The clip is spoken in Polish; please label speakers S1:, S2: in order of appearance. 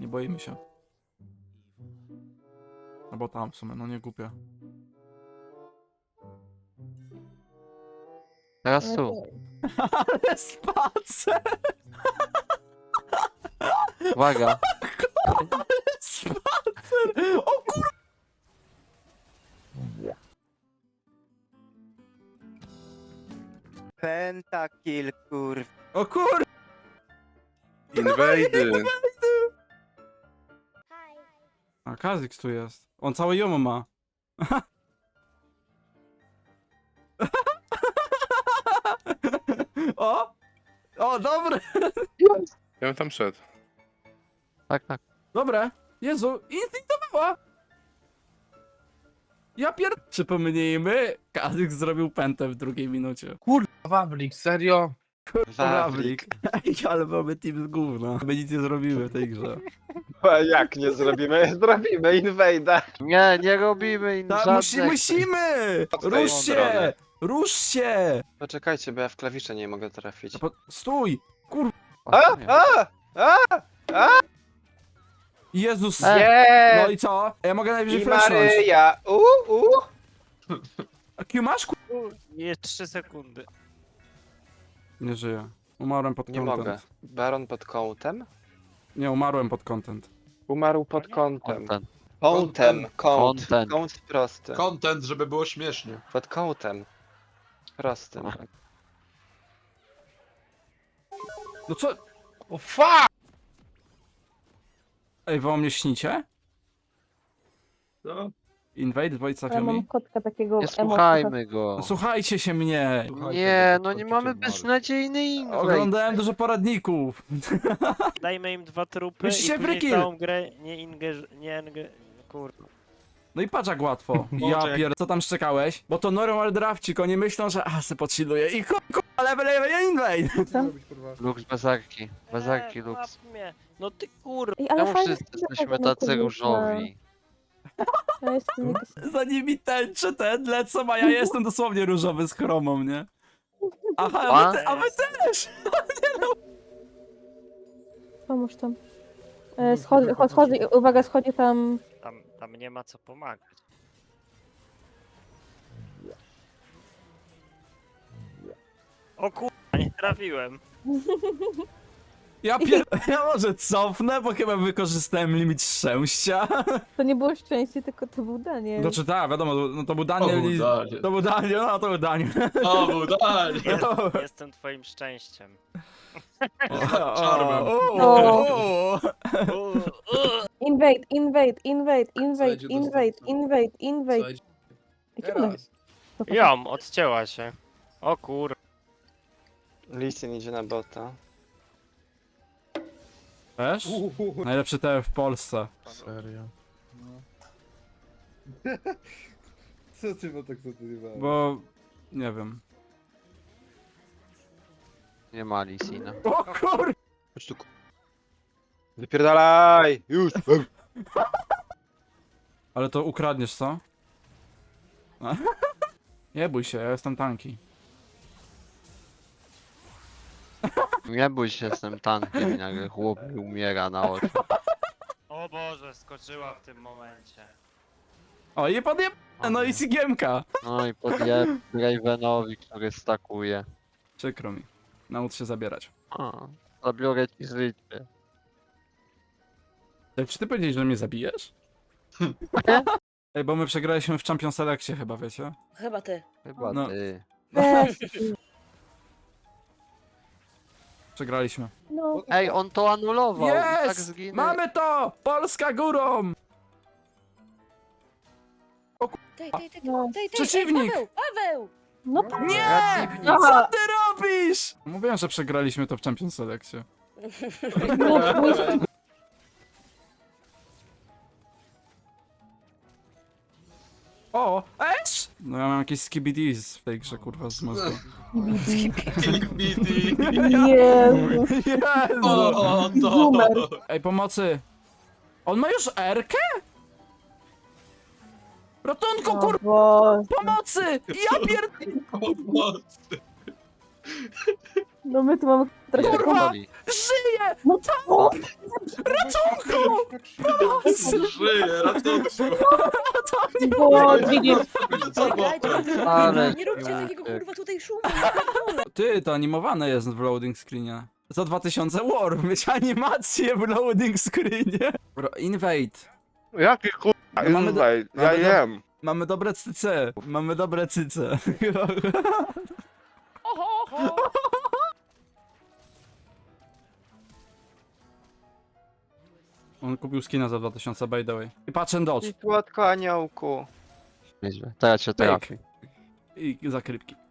S1: boimy się. Albo tam w sumie, no nie głupie.
S2: Teraz tu.
S1: Ale spacer!
S2: Uwaga.
S1: Spacer! O kur...
S3: Pentakill, kurw.
S1: O kur...
S4: Inwejdy.
S1: A Kazix tu jest. On całe jomo ma. O! O, dobre!
S4: Ja bym tam szedł.
S2: Tak, tak.
S1: Dobre! Jezu, instinkt to była! Ja Przypomnijmy, Kazix zrobił pętę w drugiej minucie.
S4: Wawlik, serio?
S1: Wawlik. Ej, ale mamy team z gówna. My nic nie zrobimy w tej grze.
S5: A jak nie zrobimy? Zrobimy inwejda.
S2: Nie, nie robimy im żadnych...
S1: Musimy! Rusz się!
S5: drogę.
S1: Rusz się!
S5: Poczekajcie, bo ja w klawisze nie mogę trafić.
S1: Stój! Kur... Jezus! No
S5: Nie!
S1: i co? Ja mogę najwyżej
S5: I
S1: flashnąć.
S5: Maryja!
S1: A Q masz?
S3: Jest 3 sekundy.
S1: Nie żyję. Umarłem pod
S5: Nie
S1: content.
S5: mogę. Baron pod kątem?
S1: Nie, umarłem pod content.
S5: Umarł pod kątem.
S2: Content.
S5: Kątem, kąt.
S2: Content.
S5: Kąt prosty.
S4: Content, żeby było śmiesznie.
S5: Pod kątem. Prostym.
S2: O.
S1: No co?
S4: O fuck!
S1: Ej, wy o mnie śnicie?
S4: No.
S1: Invade, Void
S6: Ja
S1: Safiomi?
S6: mam kotka takiego
S2: Nie słuchajmy go.
S1: No, słuchajcie się mnie!
S2: Nie, no nie mamy beznadziejny inwejt.
S1: Oglądałem dużo poradników.
S3: Dajmy im 2 trupy
S1: Myślicie,
S3: i później
S1: Frykiel?
S3: całą grę nie kurwa.
S1: No i patrz jak łatwo. Ja co tam szczekałeś? Bo to normal drafcik, oni myślą, że se podchilluję i level invade!
S2: Lux bazarki. Bazarki Lux.
S3: Mnie. No ty kurwa.
S6: Ej, ale
S2: Czemu
S6: fajnie
S2: wszyscy jesteśmy tacy różowi?
S6: Ja jestem jakaś...
S1: Za nimi tęczy ten lecą, a ja jestem dosłownie różowy z chromą, nie? Aha, a wy też!
S6: Pomóż tam. Schodzi, uwaga, schodzi tam...
S3: Tam nie ma co pomagać. O kurwa, nie trafiłem.
S1: Ja może cofnę, bo chyba wykorzystałem limit szczęścia.
S6: To nie było szczęście, tylko to był Daniel.
S1: Znaczy tak, wiadomo, no to był Daniel i... To był Daniel, no to był Daniel.
S4: O, był Daniel!
S3: Jestem twoim szczęściem.
S4: Czarmem.
S6: Invade, invade, invade, invade,
S4: Słuchajcie,
S6: invade,
S4: dostępne.
S6: invade, invade. Jakie ona jest?
S3: Jom, odcięła się. O kur...
S5: Listin idzie na bota.
S1: Wiesz? Najlepszy TF w Polsce.
S4: Serio.
S7: Co ty, bo tak co ty nie ma?
S1: Bo... nie wiem.
S2: Nie ma Lisina.
S1: O kur...
S5: Chodź tu. Wypierdalaj! Już!
S1: Ale to ukradniesz, co? Nie bój się, ja jestem tanki.
S2: Nie bój się, jestem tankiem i nagle chłop mi umiera na oczy.
S3: O Boże, skoczyła w tym momencie.
S1: O i podjeb... no i Sigiemka.
S2: No i podjeb Ravenowi, który stakuje.
S1: Przykro mi. Naucz się zabierać.
S2: A, zabiorę ci życie.
S1: Czy ty powiedziałeś, że mnie zabijesz? Ej, bo my przegraliśmy w Champion Selectie chyba, wiecie?
S8: Chyba ty.
S2: Chyba
S1: No.
S2: ty.
S6: Weź.
S1: Przegraliśmy.
S6: No,
S2: Ej, on to anulował i tak
S1: Jest!
S2: zginął.
S1: Mamy to! Polska górą!
S6: no.
S1: Przeciwnik!
S8: Paweł!
S6: No,
S1: Nie!
S2: Przeciwnik.
S1: Co ty robisz? Mówiłem, że przegraliśmy to w Champion Selectie. O! Esz! No ja mam jakieś skibidis w tej grze, kurwa, z mózgu.
S4: BT.
S6: Jezu.
S1: Jezu!
S4: O, to.
S6: Boomer.
S1: Ej, pomocy! On ma już R-kę? Rotunku,
S6: O
S1: kurwa,
S6: Boże.
S1: pomocy! Ja pierd...
S6: No my tu mamy teraz taką...
S2: Pierdoli.
S1: Żyje!
S6: No co?
S4: Żyje, ratunku.
S6: Bo widzisz,
S4: Co było?
S2: Ale
S8: Nie róbcie
S2: śmiech.
S8: takiego kurwa tutaj szumu.
S1: Ty, to animowane jest w loading screenie. Za 2000 war, mieć animację w loading screenie. Bro, invade.
S5: Jaki kurwa
S1: No mamy do-
S5: invade? Ja
S1: mamy do-
S5: jem.
S1: Mamy dobre cyce. Mamy dobre cyce. On kupił skina za 2000 by the way. I patrz and dodge.
S5: I słodko aniołku.
S2: Nieźle. To ja cię trafię.
S1: I zakrywki.